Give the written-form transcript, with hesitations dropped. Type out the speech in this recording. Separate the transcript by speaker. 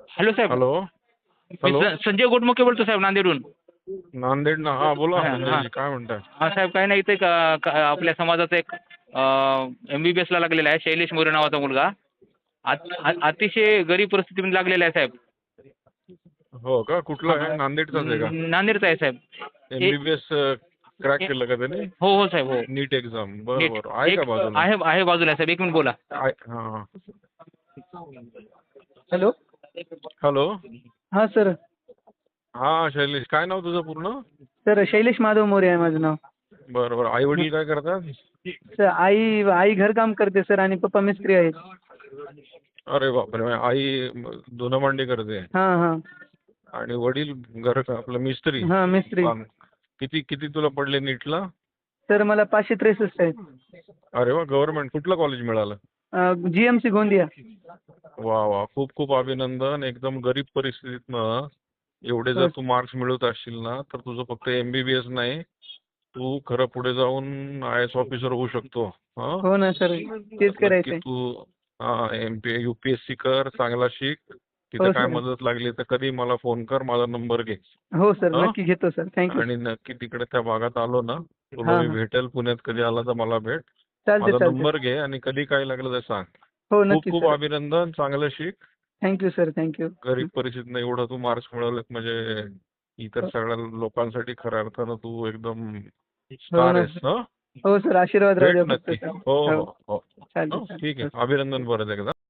Speaker 1: Hello साहेब.
Speaker 2: Hello.
Speaker 1: मी
Speaker 2: hello.
Speaker 1: Sanjay Gotmukhe बोलतो साहेब, नांदेडहून.
Speaker 2: नांदेड ना. हा बोला
Speaker 1: हा, हा.
Speaker 2: संजयजी, काय म्हणताय?
Speaker 1: हा साहेब, काही नाही, इथे आपल्या समाजाचा एक MBBS ला लागलेला आहे, शैलेश मोरे नावाचा मुलगा. अतिशय गरीब परिस्थितीमध्ये लागलेला आहे साहेब.
Speaker 2: हो का? कुठला आहे? नांदेडचाच आहे का?
Speaker 1: नांदेडचा आहे साहेब.
Speaker 2: MBBS क्रॅक केलं का त्याने?
Speaker 1: हो हो साहेब, हो.
Speaker 2: NEET exam? बरं
Speaker 1: नीट
Speaker 2: बरं. आहे
Speaker 1: एक
Speaker 2: का बाजूला?
Speaker 1: आहे बाजूला साहेब, एक मिनिट बोला.
Speaker 2: हा हा.
Speaker 3: हॅलो.
Speaker 2: हॅलो.
Speaker 3: हां सर.
Speaker 2: हा शैलेश, काय नाव तुझं पूर्ण?
Speaker 3: सर शैलेश माधव मोरे आहे माझं नाव.
Speaker 2: बरं बरं. आई वडील काय करतात?
Speaker 3: सर आई घरकाम करते सर, आणि पप्पा मिस्त्री आहेत.
Speaker 2: अरे बापरे. आई धुणं भांडी करते
Speaker 3: हां हां.
Speaker 2: आणि वडील घर आपलं मिस्त्री.
Speaker 3: हां मिस्त्री.
Speaker 2: किती किती तुला पडले नीटला?
Speaker 3: सर मला 563 आहेत.
Speaker 2: अरे वा. गव्हर्नमेंट कुठलं कॉलेज मिळालं?
Speaker 3: GMC गोंदिया.
Speaker 2: वा वा. खूप खूप अभिनंदन. एकदम गरीब परिस्थितीतनं एवढे जर तू मार्क्स मिळवत असशील ना, तर तुझं फक्त MBBS नाही, तू खरं पुढे जाऊन IAS ऑफिसर होऊ शकतो.
Speaker 3: हो ना सर, तेच
Speaker 2: नक्की
Speaker 3: करायचंय.
Speaker 2: तू UPSC कर, चांगला शिक. तिथं
Speaker 3: हो
Speaker 2: काय
Speaker 3: सर.
Speaker 2: मदत लागली तर कधी मला फोन कर, माझा नंबर घे.
Speaker 3: हो सर,
Speaker 2: हं?
Speaker 3: नक्की घेतो सर. थँक्यू.
Speaker 2: आणि नक्की तिकडे त्या भागात आलो ना, तुला
Speaker 3: हां
Speaker 2: मी
Speaker 3: हां.
Speaker 2: भेटेल. पुण्यात कधी आला तर मला भेट.
Speaker 3: चालते
Speaker 2: माझा
Speaker 3: चालते.
Speaker 2: नंबर घे आणि कधी काय लागलं तर सांग.
Speaker 3: हो
Speaker 2: खूप
Speaker 3: नक्की
Speaker 2: खूप
Speaker 3: सर.
Speaker 2: अभिनंदन. चांगलं शिक.
Speaker 3: Thank you sir, thank you.
Speaker 2: गरीब परिस्थितीनं एवढं तू मार्क्स मिळवलेत म्हणजे इतर सगळ्या लोकांसाठी खऱ्या अर्थानं तू एकदम
Speaker 3: हो
Speaker 2: स्टार
Speaker 3: ना.
Speaker 2: आहेस. हं?
Speaker 3: हो सर, आशीर्वाद राहू
Speaker 2: भेट
Speaker 3: द्या फक्त
Speaker 2: नक्की.
Speaker 3: सर.
Speaker 2: हो
Speaker 3: हो
Speaker 2: हो हो.
Speaker 3: चालते
Speaker 2: हं? ठीक
Speaker 3: चालते.
Speaker 2: आहे. अभिनंदन परत एकदा.